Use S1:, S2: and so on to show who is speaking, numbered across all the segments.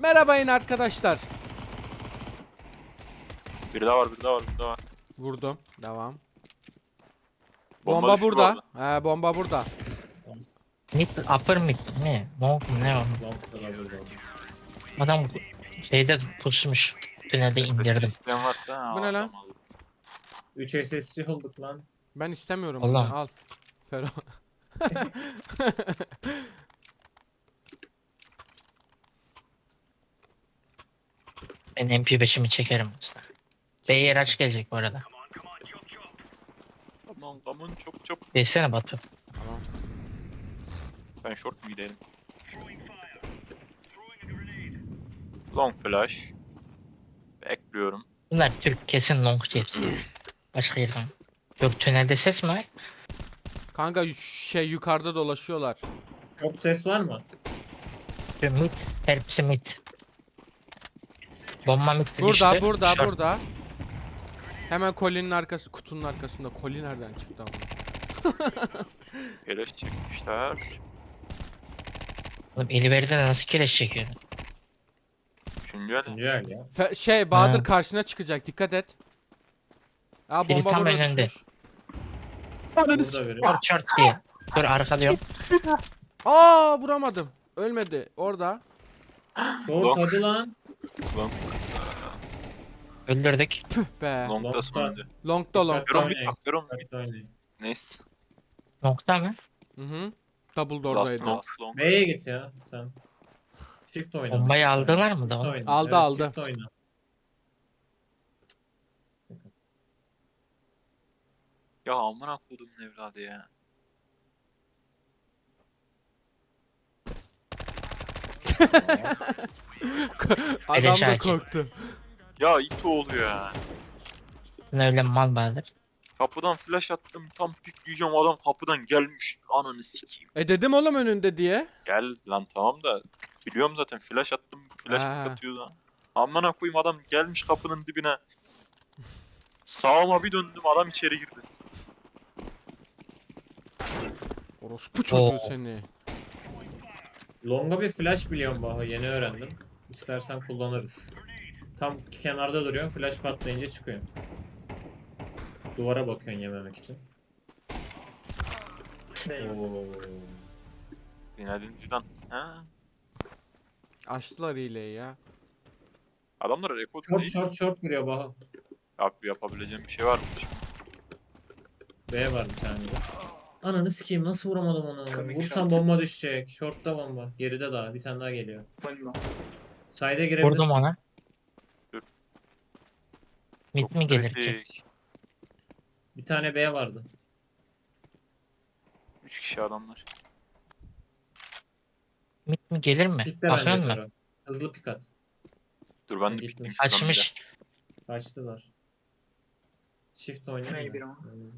S1: Merhabayın arkadaşlar.
S2: Bir daha var, bir daha var, bir daha var.
S1: Vurdum. Devam.
S2: Bomba
S1: Bomba
S2: düştü bu
S1: burada.
S2: arada.
S1: He, bomba burada.
S3: Mid, upper mid ne? Long mu ne o? Adam şeyde pusmuş. Tünelde indirdim.
S2: İsteyen varsa
S1: Bu ne lan?
S4: 3 SSC olduk lan.
S1: Ben istemiyorum
S3: Allah.
S1: bunu. Al. Fero.
S3: Ben MP5'imi çekerim usta. B'ye araç gelecek bu arada.
S2: Aman çok çok.
S3: Desene Batu.
S1: Tamam.
S2: Ben short mu gidelim? Long flash. Bekliyorum.
S3: Bunlar Türk kesin long hepsi. Başka yerden. Yok tünelde ses mi var?
S1: Kanka yukarıda dolaşıyorlar.
S4: Çok ses var mı?
S3: Şu mid. Hepsi mid. Bomba mid
S1: Burada,
S3: düştü.
S1: burada,
S3: Short.
S1: burada. Hemen kolinin arkası, kutunun arkasında. Koli nereden çıktı ama?
S2: Flash çekmişler.
S3: Oğlum Eliver'de nasıl kireç çekiyor?
S2: Üçüncü el.
S4: Üçüncü el ya.
S1: Bahadır
S3: Ha.
S1: karşına çıkacak. Dikkat et. Aa,
S3: Biri
S1: bomba
S3: tam
S1: burada
S3: önünde.
S1: düşmüş.
S4: Burada biri.
S3: Short diye. Dur arkalıyorum.
S1: Aa, vuramadım. Ölmedi. Orada.
S4: Short hadi lan.
S2: Long,
S3: Öldürdük.
S1: Be.
S2: long da
S4: Long'da.
S2: sonuncu.
S1: Long'da
S4: Dikkat
S1: long'da.
S2: Yorum
S4: Oynayın.
S2: bit bak, yorum
S4: Dikkat
S2: bit.
S4: oynayın.
S2: Neyse.
S3: Nokta mı?
S1: Hı hı. Double
S2: Last
S1: door'daydı.
S2: long, long.
S4: B'ye git ya sen. Shift oyna.
S3: Bombayı
S4: Shift
S3: aldılar
S4: oyna.
S3: mı da
S4: Shift
S3: onu?
S4: oyna.
S1: Aldı,
S4: Evet,
S1: aldı.
S4: Shift oyna.
S2: Ya amına koydum evladı ya.
S1: Adam
S3: Eleş
S1: da
S3: hakim.
S1: korktu.
S2: Ya it oluyor ya.
S3: Sen öyle mal Bahadır.
S2: Kapıdan flash attım, tam pikleyeceğim, adam kapıdan gelmiş. Ananı sikeyim.
S1: Dedim oğlum önünde diye.
S2: Gel lan, tamam da biliyorum zaten, flash attım, flash
S1: Ha.
S2: pick atıyor da. Amına koyayım, adam gelmiş kapının dibine. Sağıma bir döndüm, adam içeri girdi.
S1: Orospu çocuğu
S3: Oo.
S1: seni.
S4: Long'a bir flash biliyorum Baha. Yeni öğrendim. İstersen kullanırız. Tam kenarda duruyor. Flash patlayınca çıkıyor. Duvara bakıyorsun yememek için. Oo.
S2: Zinedine Zidane. Ha?
S1: Açtılar hileyi ya.
S2: Adamlar rekor
S4: Short
S2: değil.
S4: short short giriyor Baha.
S2: Abi yapabileceğim bir şey var mı?
S4: B var bir tane de. Ananı sikeyim, nasıl vuramadım onu? Vursam bomba düşecek. Short'ta bomba. Geride daha. Bir tane daha geliyor. Side'e girebilirsin.
S3: Vurdum ona.
S2: Dur.
S3: Mid
S2: Çok
S3: mi gelir ki?
S2: kritik.
S4: Bir tane B vardı.
S2: 3 kişi adamlar.
S3: Mid mi gelir mi?
S4: Pikte bence
S3: Basıyor mu?
S4: Fero. Hızlı pik at.
S2: Dur ben de
S4: Gitmiş.
S2: piktim.
S3: Açmış.
S4: Kaçtılar. Shift oynuyor.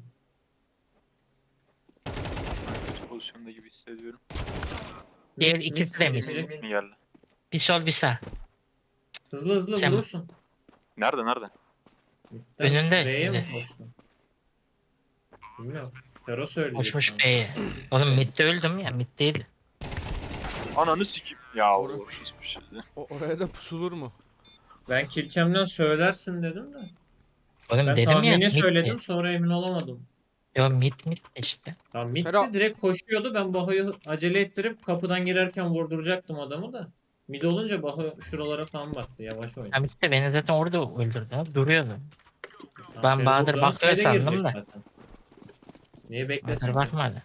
S2: Kötü pozisyonda gibi hissediyorum.
S3: Diğer
S4: Mix,
S3: ikisi
S4: mix
S3: de
S4: gelecek.
S2: Mi geldi?
S3: Bir sol bir sağ.
S4: Hızlı hızlı
S3: Sen-
S4: vurursun.
S2: Nerede nerede?
S4: Mid'den
S3: Önünde,
S4: B'ye mi
S3: önünde.
S4: koştu? Bilmiyorum. Fero söyleyecek.
S3: Koşmuş
S4: sana.
S3: B'ye. Oğlum midde öldüm ya. Mid değil.
S2: Ananı sikeyim. Ya
S1: Doğru.
S2: uğraşız bir şey.
S1: Oraya da pusulur mu?
S4: Ben Kilkem'den söylersin dedim de.
S3: Oğlum
S4: Ben
S3: dedim ya
S4: tahmini
S3: mid
S4: söyledim,
S3: mi?
S4: sonra emin olamadım.
S3: Yo mid işte.
S4: Tamam, mid'de
S1: Fero-
S4: direkt koşuyordu. Ben Baha'yı acele ettirip kapıdan girerken vurduracaktım adamı da. Mid olunca Baha şuralara falan baktı. Yavaş oynadı.
S3: Ha midde beni zaten orada öldürdü. Ha, duruyordu.
S4: Tamam,
S3: ben
S4: seni
S3: Bahadır
S4: vurduğunu
S3: bakıyor
S4: side'e
S3: sandım
S4: girecek
S3: da.
S4: zaten. Niye beklesin
S3: Bahadır
S4: ki?
S3: bakmadı.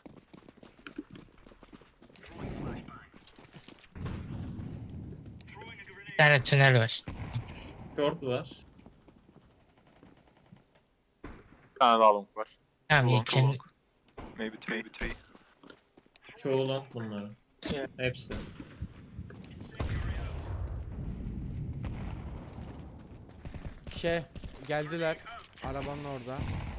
S3: Bir tane tünel var.
S4: Short var.
S2: Bir tane daha long var.
S3: Tamam
S2: Long,
S3: için
S2: long. Maybe three.
S4: Çoğu long bunların. Hepsi.
S1: Geldiler. Arabanın orada.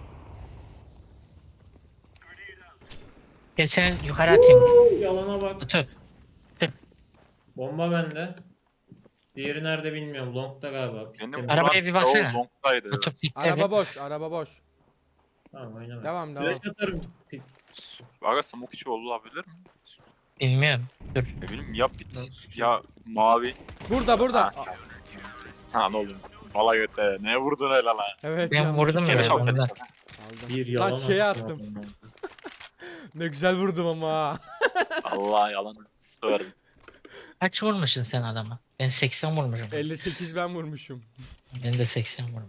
S3: gel seni yukarı atayım.
S4: Yalana bak.
S3: Batu.
S4: Bomba bende. Diğeri nerede bilmiyorum. Long'da galiba.
S2: Benim
S4: Pikte mi?
S3: Arabaya bir baksana.
S2: O long'daydı.
S3: Batu
S2: Evet.
S3: pikte
S1: Araba
S3: bir.
S1: boş, araba boş.
S4: Tamam, oynama.
S1: Devam,
S4: Flash atarım. Pik.
S2: Aga smoke içi olabilir mi?
S3: Bilmiyorum. Dur.
S2: Ne bileyim ya bit
S4: Lan sikeyim.
S2: ya mavi.
S1: Burada.
S2: Ha. Ha ne oldu? Valla göte. Ne vurdun öyle lan?
S1: Evet
S3: Ben
S1: yanlış.
S3: vurdum
S2: Keleş
S3: ya.
S2: al keleş al.
S1: Aldım.
S4: Bir
S1: Lan
S4: yalan
S1: şeye
S4: attım
S1: attım.
S4: adamdan.
S1: Ne güzel vurdum ama. ha.
S2: Allah yalan. Sıvarım.
S3: Kaç vurmuşsun sen adama? Ben 80 vurmuşum.
S1: 58 ben vurmuşum.
S3: Ben de 80 vurmuşum.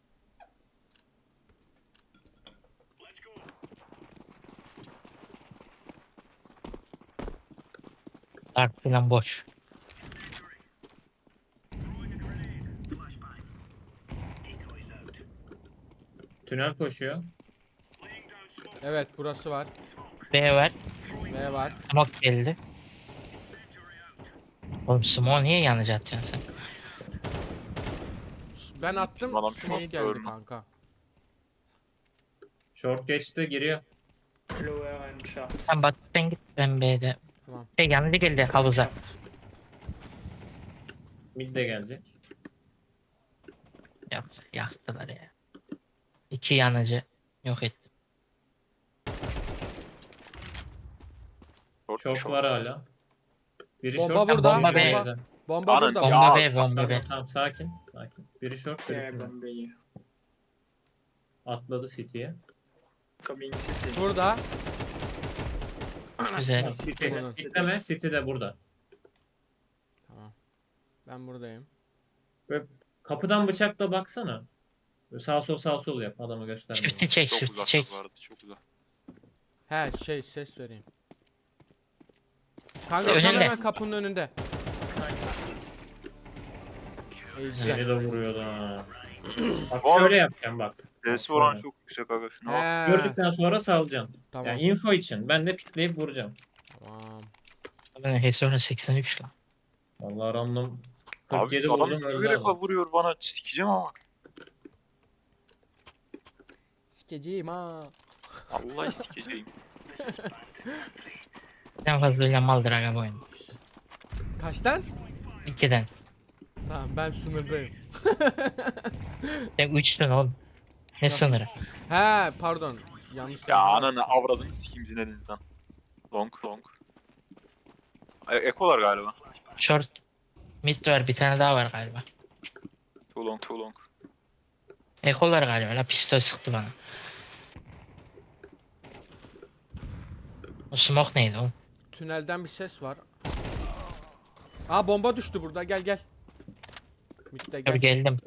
S3: Dark falan boş.
S4: Tünel koşuyor.
S1: Evet burası var.
S3: B var.
S1: B var.
S3: Smoke geldi. Oğlum smoke niye yanıcı atıyorsun sen?
S1: Ben attım.
S2: Adam
S1: Smoke
S2: çok
S1: geldi
S2: görme.
S1: kanka.
S4: Short geçti giriyor.
S3: Sen Batı'dan git ben B'de.
S1: Tamam.
S3: Yanıcı geldi havuza.
S4: Mid de gelecek.
S3: Yaktılar ya. 2 yanıcı yok ettim.
S4: Short var hala. Biri
S1: Bomba
S4: short.
S1: burada,
S3: bomba
S4: biri
S3: B.
S4: B'de.
S1: Bomba
S2: Anın
S1: burada.
S2: ya.
S3: Bomba B, bomba
S4: Tamam,
S3: B.
S4: tamam sakin. Sakin. Biri short biri tünel. Atladı City'ye.
S1: Burada.
S3: Güzel.
S4: City.
S1: Bunun.
S4: Bekleme City de burada.
S1: Tamam. Ben buradayım.
S4: Böyle kapıdan bıçakla baksana. Böyle sağ sol yap adamı gösterme.
S3: Shift'i çek,
S2: Çok
S3: shift'i
S2: uzak
S3: çek.
S2: vardı çok uzak.
S1: He ses vereyim. Kanka
S3: Önünde.
S1: tam hemen kapının önünde. İyi güzel.
S4: Seni de vuruyordu ha. Bak
S2: Oğlum.
S4: şöyle yapacağım bak.
S2: D'si oran çok yüksek aga şuna bak.
S1: He.
S4: Gördükten sonra salacaksın.
S1: Tamam.
S4: Yani info için. Ben de pikleyip vuracağım.
S1: Tamam.
S3: Ben Heson'a 83 lan.
S4: Vallahi random
S2: Abi
S4: 47
S2: adam
S4: vurdum öldü
S2: bir defa
S4: adam.
S2: vuruyor bana sikeceğim ama.
S1: Sikeceğim ha.
S2: Vallahi sikeceğim.
S3: En fazla maldır aga bu oyun.
S1: Kaçtan?
S3: 2'den.
S1: Tamam ben sınırdayım.
S3: Sen 3'tün oğlum. Ne sınırı?
S1: He pardon. Yanlış.
S2: Ya
S1: söyledim.
S2: ananı avradını sikeyim zinenizden. Long. Ekolar galiba.
S3: Short mid var, bir tane daha var galiba.
S2: Too long.
S3: Ekolar galiba la, pistol sıktı bana. O smoke neydi oğlum?
S1: Tünelden bir ses var. Aa bomba düştü burada. Gel. Mitte
S3: Tabii
S1: gel.
S3: geldim.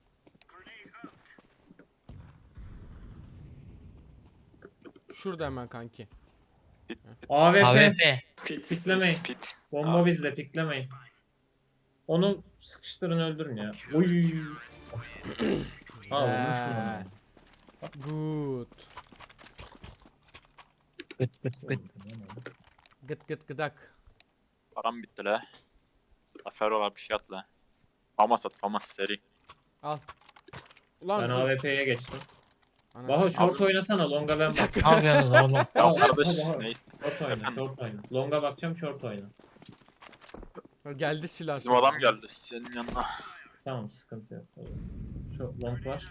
S1: Şurada hemen kanki.
S2: Pit.
S4: AWP.
S3: AWP.
S4: Piklemeyin.
S2: Pit.
S4: Bomba
S2: Abi.
S4: bizde piklemeyin. Onu sıkıştırın öldürün ya. Uy. Aa vurmuş mu?
S1: Good.
S3: Gıt.
S1: Gıt gıdak.
S2: Param bitti la. Aferolar bir şey at la. Famas at famas seri.
S1: Al. Ulan
S4: Ben
S1: dur.
S4: AWP'ye geçtim.
S1: Ana-
S4: Baho short oynasana longa ben bak.
S3: Ne yapıyorsunuz oğlum?
S2: Ya
S4: Al,
S2: kardeş
S4: al, al.
S2: neyse.
S4: Short oyna
S2: Efendim?
S4: short oyna. Longa bakacağım short oyna.
S1: Geldi silah.
S2: Bizim adam geldi senin yanına.
S4: Tamam sıkıntı yok. Short long var.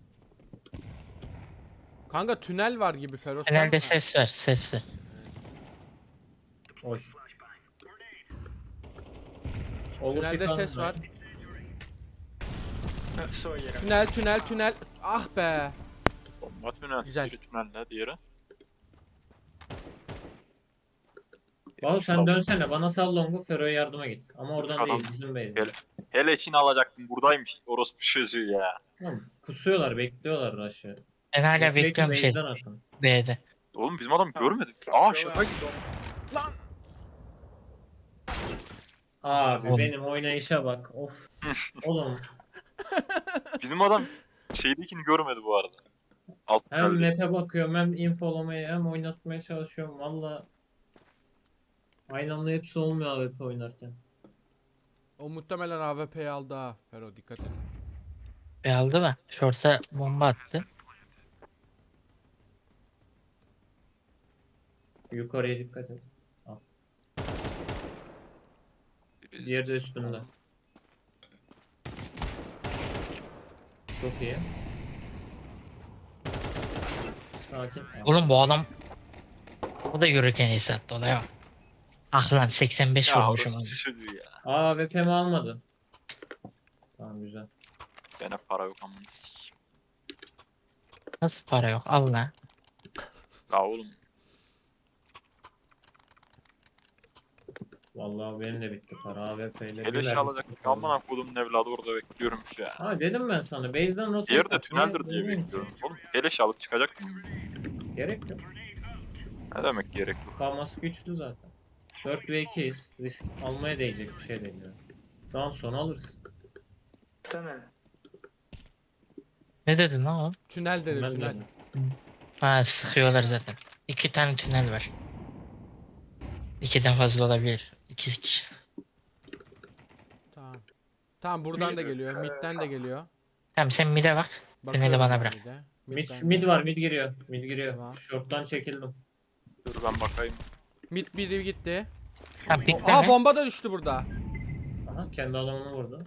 S1: Kanka tünel var gibi Feroz. sen-
S3: Genelde ses ver, ses ver.
S4: Oy.
S1: Tünelde
S4: Overkick
S1: ses var.
S4: aldım.
S1: Tünel. Ah be.
S2: Bomba tünel.
S1: Güzel.
S2: Biri tünelde diğeri.
S4: Baho sen dönsene bana sal longu Fero'ya yardıma git. Ama oradan
S2: Adam-
S4: değil bizim base'den.
S2: Gel. Hele Çin alacaktım buradaymış orospu çocuğu ya.
S4: Tamam. Pusuyorlar bekliyorlar rush'ı.
S3: Ben hala
S4: Bekleyin,
S3: bekliyorum şey
S4: base'den atın.
S3: B'de.
S2: Oğlum bizim adam görmedik. Aa şaka gibi.
S1: Lan.
S4: Abi
S3: Oğlum.
S4: benim oynayışa bak. Of. Oğlum
S2: Bizim adam şeydekini görmedi bu arada. Alt
S4: hem
S2: tünelde.
S4: map'e bakıyorum hem infolamaya hem oynatmaya çalışıyorum. Valla aynı anda hepsi olmuyor AWP oynarken.
S1: O muhtemelen AWP'yi aldı ha. Fero dikkat et.
S3: B aldı mı? Short'a bomba attı.
S4: Yukarıya dikkat et. Diğeri de üstünde. Çok iyi. Sakin.
S3: Oğlum bu adam o da yürürken ace attı olaya bak. Ah lan 85
S2: Ya
S3: vurmuşum.
S2: orası
S3: abi.
S2: söylüyor ya.
S4: Aa VP'mi almadı. Tamam güzel.
S2: Gene para yok amına sikeyim.
S3: Nasıl para yok? Al lan.
S2: La oğlum.
S4: Vallahi benim de bitti para. AWP ile
S2: Keleş
S4: bir
S2: alacaktık amına koydum evladı orada bekliyorum şu ya.
S4: Ha dedim ben sana. Base'den rotayı
S2: Diğeri de
S4: tak.
S2: tüneldir
S4: Niye-
S2: diye
S4: niye-
S2: bekliyorum. Oğlum keleş alıp çıkacak mı?
S4: Gerek yok.
S2: Ne demek gerek yok.
S4: Kalması güçlü zaten. 4 ve 2'yiz. Risk almaya değecek bir şey değil yani. Daha sonra alırız.
S3: Ne dedin lan oğlum?
S1: Tünel dedim
S4: Ben
S1: tünel.
S4: de.
S3: Ha sıkıyorlar zaten. 2 tane tünel var. 2'den fazla olabilir. 2 kişi.
S1: Tamam. Tamam buradan da geliyor. Mid'den de geliyor.
S3: Tamam sen mid'e bak.
S1: Bakıyorum
S3: bana
S1: ben
S3: bırak.
S1: mid'e.
S4: Mid,
S1: bende.
S4: mid var, mid giriyor. Mid giriyor.
S1: Tamam.
S4: Short'tan çekildim.
S2: Dur ben bakayım.
S1: Mid biri gitti.
S3: Tamam
S1: Aa
S3: pikleme.
S1: bomba da düştü burada.
S4: Aha kendi adamını vurdu.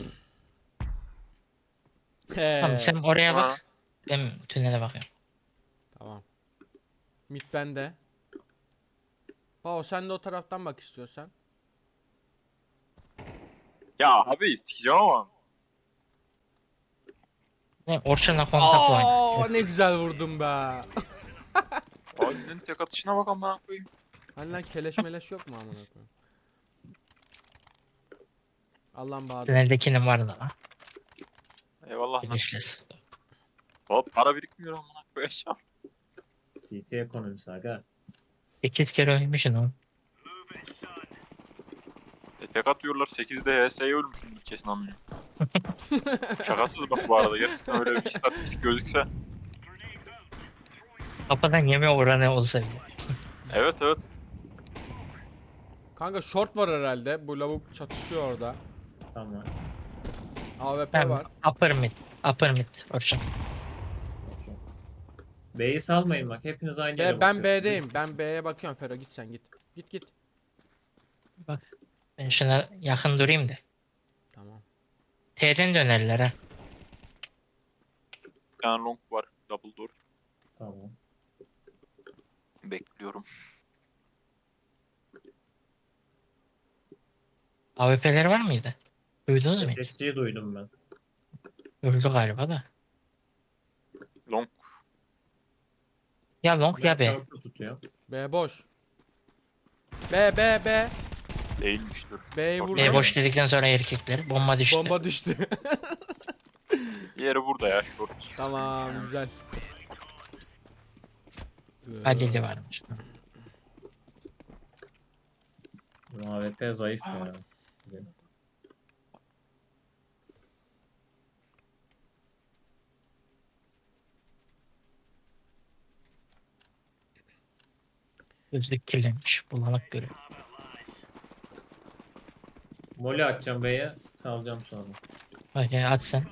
S3: Tamam sen oraya
S2: Ha.
S3: bak. Ben tünele bakıyorum.
S1: Tamam. Mid bende. Bao sen de o taraftan bak istiyorsan.
S2: Ya abi sikeceğim ama.
S3: Ne Orçun'la kontak oyna.
S1: Aa ne güzel vurdum be.
S2: Aynen tek atışına bak amına koyayım.
S1: Hani lan keleş meleş yok mu amına koyayım? Allah'ım Bahadır.
S3: Tüneldekinin vardı lan.
S2: Eyvallah lan.
S3: Birleşles.
S2: Hop para birikmiyor amına koyacağım.
S4: CT ekonomisi aga.
S3: 8 kere ölmüşsün oğlum.
S2: Tek atıyorlar 8'de HS'ye ölmüşsündür kesin amına. Şakasız bak bu arada gerçekten öyle bir istatistik gözükse.
S3: Kafadan yeme oranı olsa bile.
S2: Evet evet.
S1: Kanka short var herhalde. Bu lavuk çatışıyor orada.
S4: Tamam.
S1: AWP
S3: Tamam.
S1: var.
S3: Upper mid. Upper mid. Orçun.
S4: B'yi salmayın bak. Hepiniz aynı yere
S1: Ben
S4: bakıyorsunuz.
S1: B'deyim. Ben B'ye bakıyorum Fero git sen git. Git git.
S3: Ben şuna yakın durayım da.
S1: Tamam.
S3: T'den dönerler ha.
S2: Bir tane long var. Double door.
S4: Tamam.
S2: Bekliyorum.
S3: AWP'leri var mıydı? Duydunuz mu? hiç?
S4: SSC'yi duydum ben.
S3: Öldü galiba da.
S2: Long.
S3: Ya long ya
S4: Ben
S3: B.
S4: short'u tutuyor.
S1: B boş. B.
S2: Değilmiştir.
S1: B'yi
S2: Bak,
S1: vurdum.
S3: B boş dedikten sonra erkekler. Bomba düştü.
S1: Bomba düştü.
S2: Diğeri burada ya short.
S1: Tamam güzel.
S3: Halil'i varmış.
S4: Bu AWP zayıf ya.
S3: Gözlük kirlenmiş. Bulanık görüyor.
S4: Molly atacağım B'ye. Salacağım sonra.
S3: Hadi at sen.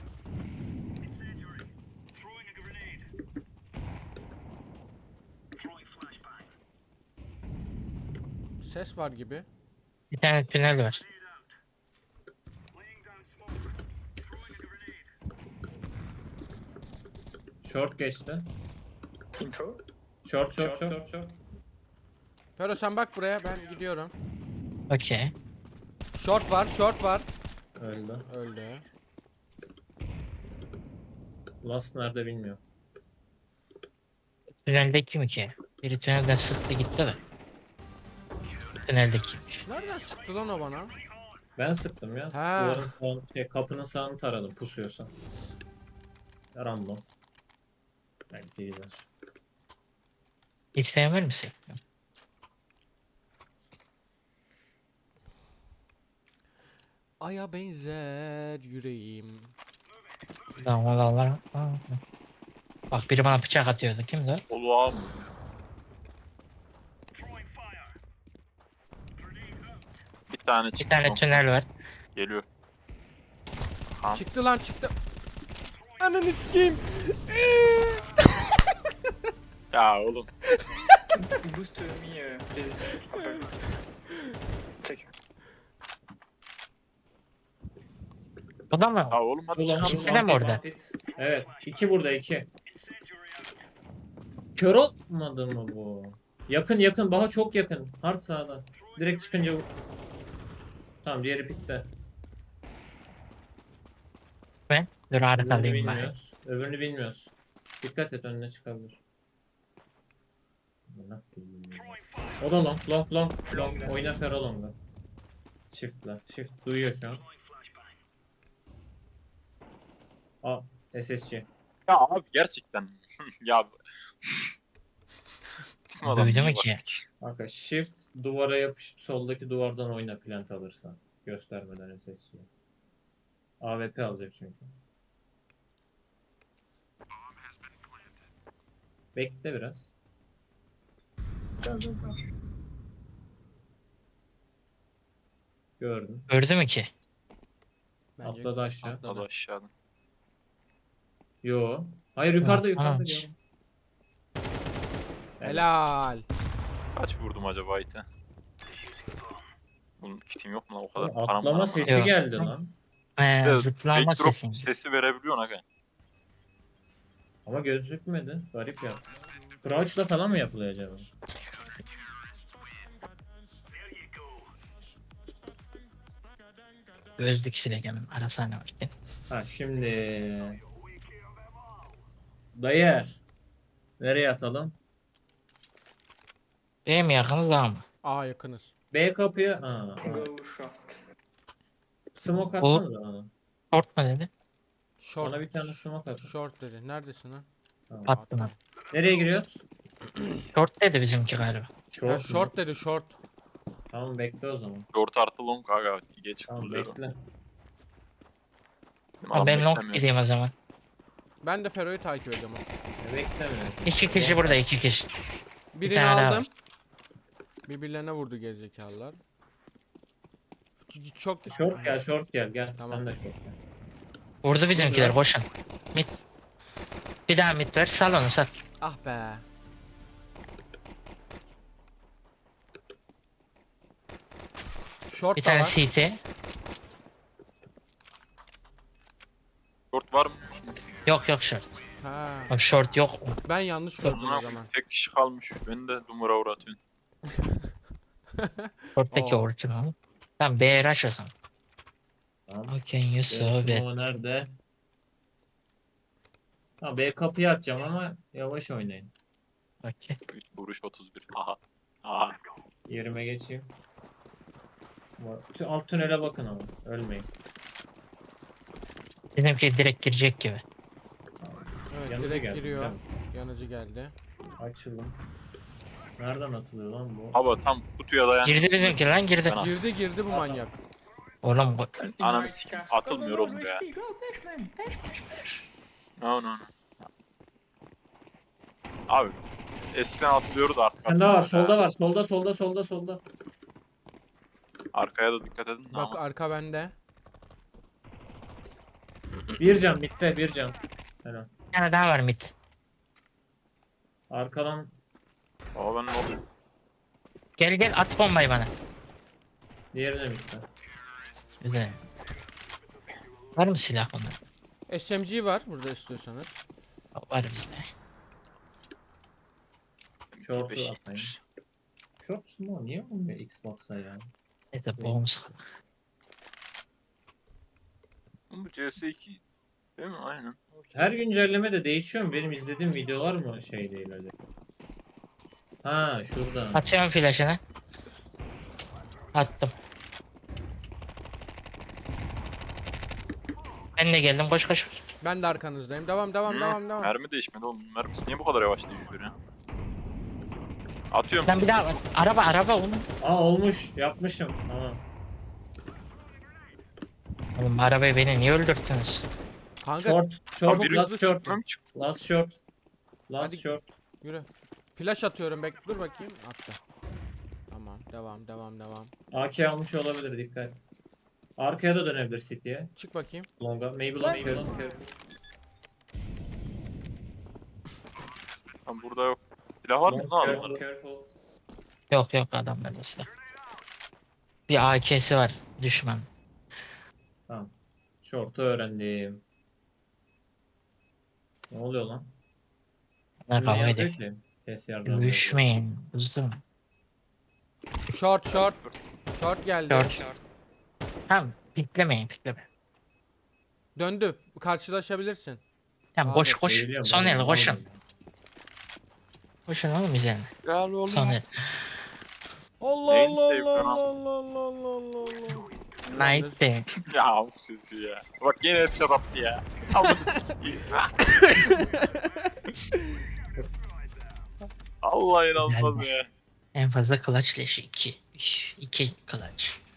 S1: Ses var gibi.
S3: Bir tane tünel var.
S4: Short geçti. Short.
S1: Fero sen bak buraya ben gidiyorum.
S3: Okey.
S1: Short var.
S4: Öldü.
S1: Öldü.
S4: Last nerede bilmiyorum.
S3: Tüneldeki mi ki? Biri tünelden sıktı gitti de. Tüneldekiymiş.
S1: Nereden sıktı lan o bana?
S4: Ben sıktım ya.
S1: Ha.
S4: Duvarın sağını, kapının sağını taradım pusuyorsa. Random. Belki gider.
S3: İsteyen var mısın?
S1: Aya benzer yüreğim.
S3: Tamam Allah. Bak biri bana bıçak atıyordu. Kimdi o?
S2: Oluğa mı? Bir tane
S3: Bir
S2: çıktı.
S3: tane
S2: long.
S3: tünel var.
S2: Geliyor. Tamam.
S1: Çıktı lan çıktı. Ananı sikeyim.
S2: Ya oğlum.
S5: Boost me, please. Check.
S3: O da mı?
S2: Ya oğlum hadi
S4: Ulan,
S2: çıkalım.
S3: İkisi de mi orada?
S4: Evet. 2 burada 2. Kör olmadı mı bu? Yakın. Baha çok yakın. Hard sağda. Direkt çıkınca vur. Tamam diğeri pikte.
S3: Ben dur
S4: Öbürünü
S3: arkalayayım bari.
S4: bilmiyoruz. Öbürünü bilmiyoruz. Dikkat et önüne çıkabilir. O da long long long long. Oyna Fero long'a. Shift'la. Shift duyuyor şu an. Aa SSC.
S2: Ya abi gerçekten. Ya bizim adam
S3: Duydum
S2: niye
S3: ki.
S2: var ki?
S4: Kanka shift duvara yapışıp soldaki duvardan oyna plant alırsan. Göstermeden SSC'ye. AWP alacak çünkü. Bekle biraz. Gördüm.
S3: Gördü mü ki?
S1: Bence
S4: Atladı aşağı.
S2: O da aşağıdan.
S4: Yo. Hayır yukarıda yukarıda
S3: Tamam.
S4: gördüm.
S1: Helal.
S2: Kaç vurdum acaba ite? Bunun kitim yok mu lan o kadar?
S4: Oğlum,
S2: Param var
S4: atlama
S2: ama.
S4: sesi
S3: Yok.
S4: geldi lan.
S2: Bir de
S3: Zıplama
S2: backdrop
S3: sesi.
S2: sesi verebiliyorsun aga.
S4: Ama gözükmedi. Garip ya. Crouch'la falan mı yapılıyor acaba?
S3: Gözlük silegemem. Arasana var.
S4: Ha şimdi. Dayı. Nereye atalım?
S3: Değil mi yakınız daha mı?
S1: A yakınız.
S4: B kapıya. Ha.
S5: Go short.
S4: Smoke
S3: O-
S4: atsanıza bana.
S3: Short mu dedi?
S1: Short.
S4: Bana bir tane smoke atın.
S1: Short dedi. Neredesin lan?
S4: Tamam.
S3: Attım
S1: Attım.
S4: Nereye giriyoruz?
S3: Short dedi bizimki galiba.
S1: Ya
S4: mu?
S1: short dedi short.
S4: Tamam bekle o zaman.
S2: Short artı long aga. Geç
S4: Tamam
S2: kuruluyor.
S4: bekle.
S2: Bizim
S3: Ha,
S2: adam
S3: ben long
S2: beklemiyor.
S3: gideyim o zaman.
S1: Ben de Fero'yu takip ediyorum.
S4: Beklemiyorum.
S3: 2 kişi burada 2 kişi.
S1: Birini
S3: tane daha
S1: aldım.
S3: var.
S1: Birbirlerine vurdu gerizekalılar. Çok
S4: Short gel short gel gel.
S1: Tamam.
S4: Sen de short gel.
S3: Vurdu bizimkiler
S4: Burada.
S3: koşun. Mid. Bir daha mid ver sal onu sal.
S1: Ah be. Short
S3: Bir
S1: da
S3: tane
S1: var.
S3: CT.
S2: Short var mı?
S3: Yok yok short.
S1: Ha.
S3: Abi short yok.
S1: Ben yanlış gördüm o
S2: Amına
S1: zaman.
S2: koyayım, tek kişi kalmış. Beni de dumura uğratıyorsun.
S3: Short'taki
S1: Oo.
S3: original. Tamam B rush o zaman.
S4: Tamam.
S3: Okay you so bad.
S4: Smoke nerede? Ha B kapıyı atacağım ama yavaş oynayın.
S3: Okay.
S2: 3 vuruş 31. Aha. Aha.
S4: Yerime geçeyim. Alt tünele bakın ama ölmeyin.
S3: Bizimki direkt girecek gibi.
S1: Evet
S4: Yanıcı
S1: direkt
S4: geldi,
S1: giriyor.
S4: değil mi?
S1: Yanıcı geldi.
S4: Açılın. Nereden atılıyor lan bu?
S2: Hava tam kutuya dayan.
S3: Girdi bizimki lan girdi.
S2: Ben
S1: Girdi bu manyak.
S3: Oğlum bu
S2: Ananı sikeyim. Atılmıyor
S5: Go, go,
S2: oğlum
S5: go,
S2: ya.
S5: HP, go, push man. Push.
S2: No no no. Abi eskiden atılıyordu da artık
S4: Sen daha var.
S2: atılmıyor
S4: Solda
S2: ya.
S4: var. Solda.
S2: Arkaya da dikkat edin.
S1: Bak
S2: Ama
S1: arka bende.
S4: Bir can bitti. Bir can. Helal.
S3: bir tane daha var mid.
S4: Arkadan
S2: o ben ne oluyor?
S3: Gel gel at bombayı bana.
S4: diğerine bitti.
S3: Güzel. Var mı silah bunda?
S1: SMG var burada istiyorsanız.
S3: Var bizde.
S4: Short'u
S2: Beş
S4: atmayın.
S2: yetmiş.
S4: Short mu? Niye olmuyor Xbox'a ya?
S3: Neyse boğum sıkıldı.
S2: Bu CS2 değil mi? Aynen.
S4: Her güncelleme de değişiyor mu? Benim izlediğim videolar mı şey değil öyle? Ha şurada.
S3: Atıyorum flash'ını. Attım. Ben de geldim koş koş.
S1: Ben de arkanızdayım. Devam.
S2: Mermi değişmedi oğlum. Mermisi niye bu kadar yavaş değişiyor ya? Atıyorum
S3: Lan bir daha var. Araba oğlum.
S4: Aa olmuş. Yapmışım. Tamam.
S3: Oğlum arabayı beni niye öldürttünüz?
S1: Kanka
S4: Short.
S2: Abi
S4: Short.
S2: biri
S4: Last short.
S2: Mermi çıktı.
S4: Last short. Last
S1: Hadi.
S4: short.
S1: yürü. Flash atıyorum dur bakayım. Attı. Tamam devam.
S4: AK almış olabilir dikkat. Arkaya da dönebilir City'ye.
S1: Çık bakayım.
S4: Longa. Maybe
S1: Lan.
S4: long carry.
S2: Lan burada yok. Silah var mı
S4: Long
S2: lan
S4: careful,
S2: adamlarda?
S4: careful.
S3: Yok adamlarda silah. Bir AK'si var düşman.
S4: Short'u öğrendim. Ne oluyor lan?
S3: Ne
S4: Ne
S3: kavga
S4: yazıyor
S3: ediyor.
S4: ki? Kes yardım.
S3: Düşmeyin. Buzdum.
S1: Short short. Short geldi.
S3: Short. Tamam piklemeyin pikleme.
S1: Döndü. Karşılaşabilirsin.
S3: Tamam
S1: Abi,
S3: koş koş.
S4: Eğiliyorum
S3: Son
S4: ben,
S3: el koşun.
S4: aldım.
S3: Koşun oğlum üzerine.
S2: Gel oğlum.
S3: Son el.
S1: Allah
S2: Neyin
S1: Allah
S2: sevdi
S1: Allah
S2: lan?
S1: Allah Allah Allah Allah.
S3: Night day.
S2: Ya bu sesi ya. Bak yine headshot attı ya. Amına sikeyim. Allah inanılmaz ya.
S3: En fazla clutch leşi 2. 2 clutch.